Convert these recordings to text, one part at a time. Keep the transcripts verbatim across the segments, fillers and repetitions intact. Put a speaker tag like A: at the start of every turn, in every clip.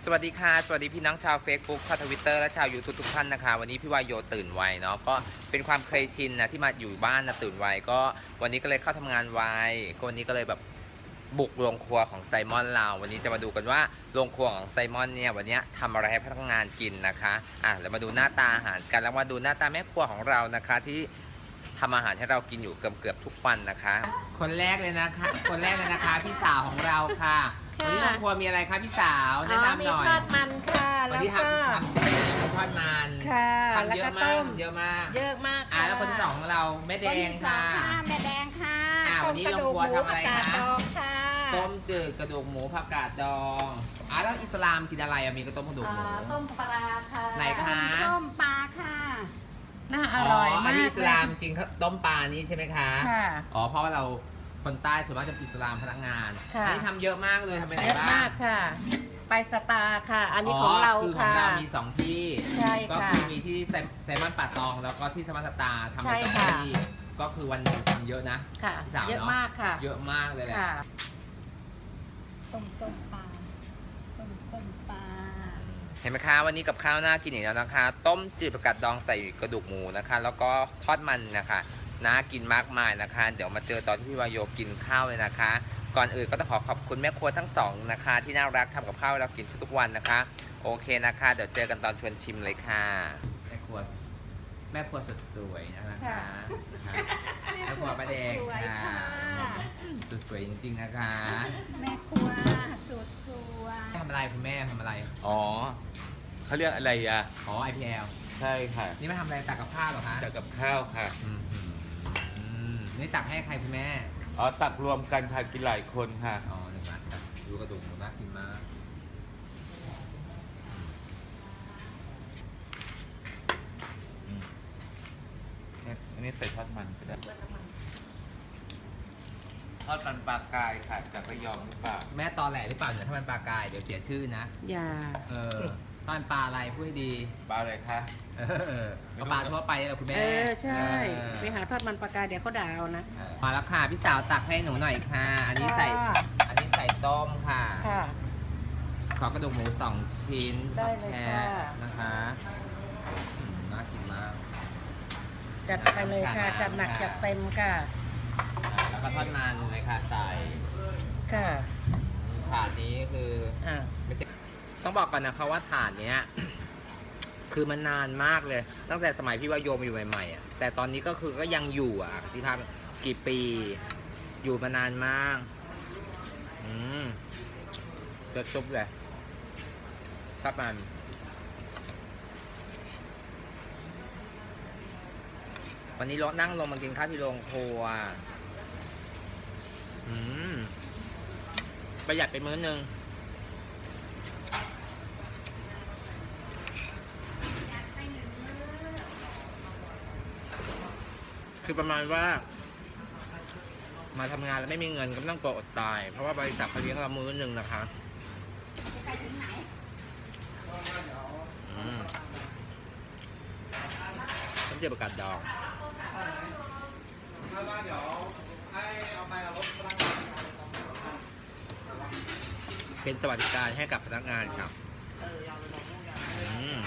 A: สวัสดีค่ะสวัสดีพี่น้องชาว Facebook ชาวทวิตเตอร์และชาว YouTube ทุกท่านนะคะวันนี้พี่วายโยตื่นไวเนาะก็เป็นความเคยชินนะที่มาอยู่บ้านนะตื่นไวก็วันนี้ก็เลยเข้าทำงานไวก็วันนี้ก็เลยแบบบุกโรงครัวของไซมอนเราวันนี้จะมาดูกันว่าโรงครัวของไซมอนเนี่ยวันนี้ทำอะไรให้พนักงานกินนะคะอ่ะเรามาดูหน้าตาอาหารกันแล้วมาดูหน้าตาแม่ครัวของเรานะคะที่ทำอาหารให้เรากินอยู่เกือบเกือบทุกวันนะคะ คนแรกเลยนะคะคนแรกเลยนะคะพี่สาวของเราค่ะวันนี้โรงครัวมีอะไรคะพี่สาวแนะนำหน่อย
B: มีทอดมันค่ะ
A: วัน
B: แล้ว
A: นี้
B: ก็
A: ทำทำเสร็จแล้วทอดมัน
B: ค่ะ
A: ทำเยอะ
B: แล้วก็
A: มา
B: ต้
A: ก
B: ม
A: ทำเยอะมาก
B: เยอะมาก
A: อ่า
B: ค่ะ
A: แล้วคนที่สองของเราแม่แดงค่ะ
B: คนที่สองค่ะแม่แดงค่ะ
A: อ่าวันนี้
B: ต้มกระดูก
A: โรงครัวทำอะไร
B: หมูผักกาด
A: คะ
B: ดองค่ะ
A: ต้มจืดกระดูกหมูผักกาดดองอ่าแล้วอิสลามกินอะไรอะมีกระต้มกระดูกหมู
B: อ่าต้มปลาค่ะ
A: ไหนคะ
B: ส้มปลาค่ะน่าอร่อย
A: อั
B: มาน ก
A: นี้อิสลามกินข้าวต้มปลานี้ใช่ไหมคะ
B: ค่ะ
A: อ๋อเพราะว่าเราคนใต้ส่วนมากจะอิสลามพนักงาน
B: ค่ะ
A: อันี้ทำเยอะมากเลยทำไปไหน
B: เยอะ
A: บ้าง
B: มากค่ะ ไปสตาร์ค่ะ อันนี้ของเรา
A: คือของ
B: ค่ะ
A: เรามีสองที่
B: ใช่
A: ก็
B: ค่ะ
A: คือมีที่ไซไซมอนป่าตองแล้วก็ที่สมาร์ทสตาร์ทำ
B: ใช่
A: ไปสอง
B: ค่ะ
A: ที่ก็คือวันหนึ่งทำเยอะนะ
B: ค่ะ
A: พี่สาว
B: เยอะ
A: เนาะ
B: มากค่ะ
A: เยอะมากเลยแหละ
B: ค่ะต้มส้มปลาต้มส้มปลา
A: เห็นไหมคะวันนี้กับข้าวน่ากินอีกแล้วนะคะ ต้มจืดผักกาดดองใส่กระดูกหมูนะคะ แล้วก็ทอดมันนะคะน่ากินมากมายนะคะ เดี๋ยวมาเจอตอนที่พี่วายโยกินข้าวเลยนะคะ ก่อนอื่นก็ต้องขอขอบคุณแม่ครัวทั้งสองนะคะ ที่น่ารักทำกับข้าวให้เรากินทุกๆวันนะคะ โอเคนะคะ เดี๋ยวเจอกันตอนชวนชิมเลยค่ะแม่ครัวแม่ครัวสดสวยนะคะ
B: ค่ะ
A: นะคะแม่ครัวป้าแดง
B: สวย
A: ค่ะ
B: ค่ะ
A: สุดสวยจริงๆนะคะ
B: แม่ครัวสุดสวย
A: ทำอะไรคุณแม่ทำอะไร
C: อ๋อเขาเรียกอะไรอ่ะ
A: อ๋อ ไอ พี แอล
C: ใช่ค่ะ
A: นี่มาทำอะไรตักกับข้าวเหรอคะ
C: จากกับข้าวค่ะ
A: อืมอืมอืมนี่ตักให้ใครคุณแม่
C: อ๋อตักรวมกันค่ะกินหลายคนค่ะ
A: อ๋อหนึ่งบาทครับดูกระดูกหมูน่ากินมาก
C: อืมเนี่ยอันนี้ใส่ทอดมันก็ได้ทอดมันปลากายค่ะจากระยองหรือเปล่า
A: แม่ตอแหลหรือเปล่าเนี่ยถ้ามันปลากายเดี๋ยวเสียชื่อนะ
B: อย่า
A: เออถ้ามันปลาอะไรพูดให้ดี
C: ปลาอะไรคะ
A: เออก็ปลาทั่วไปแหละคุณแม่
B: เออ ใช่
A: เออ
B: ไปหาทอดมันปลากายเดี๋ยวเขาด่าเอานะ
A: เออมาแล้วค่ะพี่สาวตักให้หนูหน่อยค่ะ อันนี้ใส่
B: ค่ะ
A: อันนี้ใส่ต้มค่ะ
B: ค่ะ
A: ขอกระดูกหมูสองชิ้น
B: ได้เลย
A: แท
B: ค่ะ
A: นะคะอืมน่ากินมาก
B: จัดไปเลยค่ะ จัดหนักจัดเต็มค่ะ
A: อ่าแล้วก็ทอดมันเลยค่ะใส่
B: ค่ะ
A: ถาดนี้คือ
B: อ่า
A: ไม่ใช่ต้องบอกก่อนนะคะว่าถาดเนี้ย คือมันนานมากเลย ตั้งแต่สมัยพี่วายโยมอยู่ใหม่ๆอ่ะแต่ตอนนี้ก็คือก็ยังอยู่อ่ะพี่ทำกี่ปี อยู่มานานมาก อืมเลือดซุปเลยครับมันวันนี้เรานั่งลงมากินข้าวที่โรงครัว อืมประหยัดไปมื้อนึง คือประมาณว่า มาทำงานแล้วไม่มีเงินก็ไม่ต้องกลัวอดตาย เพราะว่าบริษัทเขาเลี้ยงเรามื้อหนึ่งนะคะอืมต้องเจอประกาศดองเป็นสวัสดิการให้กับพนักงานครับอืม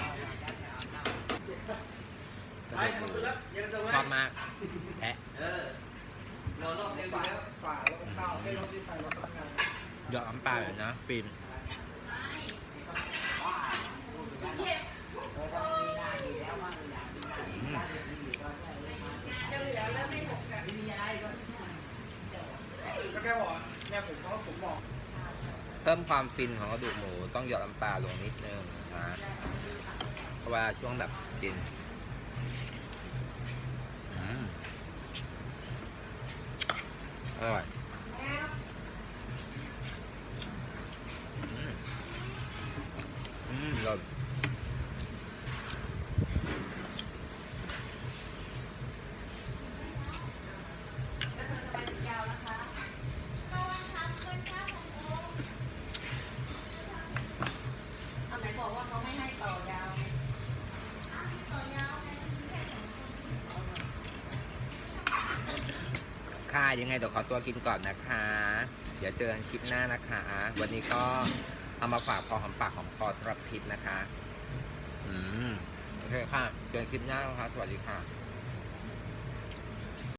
A: ชอบมากแพะหยอดน้ำปลาเลยนะฟิล์มอืมเพิ่มความฟินของกระดูกหมูต้องหยอดน้ำปลาลงนิดนึงนะเพราะว่าช่วงแบบกินอืมอร่อยอืมอืมรสค่ะยังไงเดี๋ยวขอตัวกินก่อนนะคะ เดี๋ยวเจอกันคลิปหน้านะคะ วันนี้ก็เอามาฝากพอหอมปากหอมคอสำหรับคลิปนะคะ อืม โอเคค่ะเจอกันคลิปหน้านะคะ สวัสดีค่ะ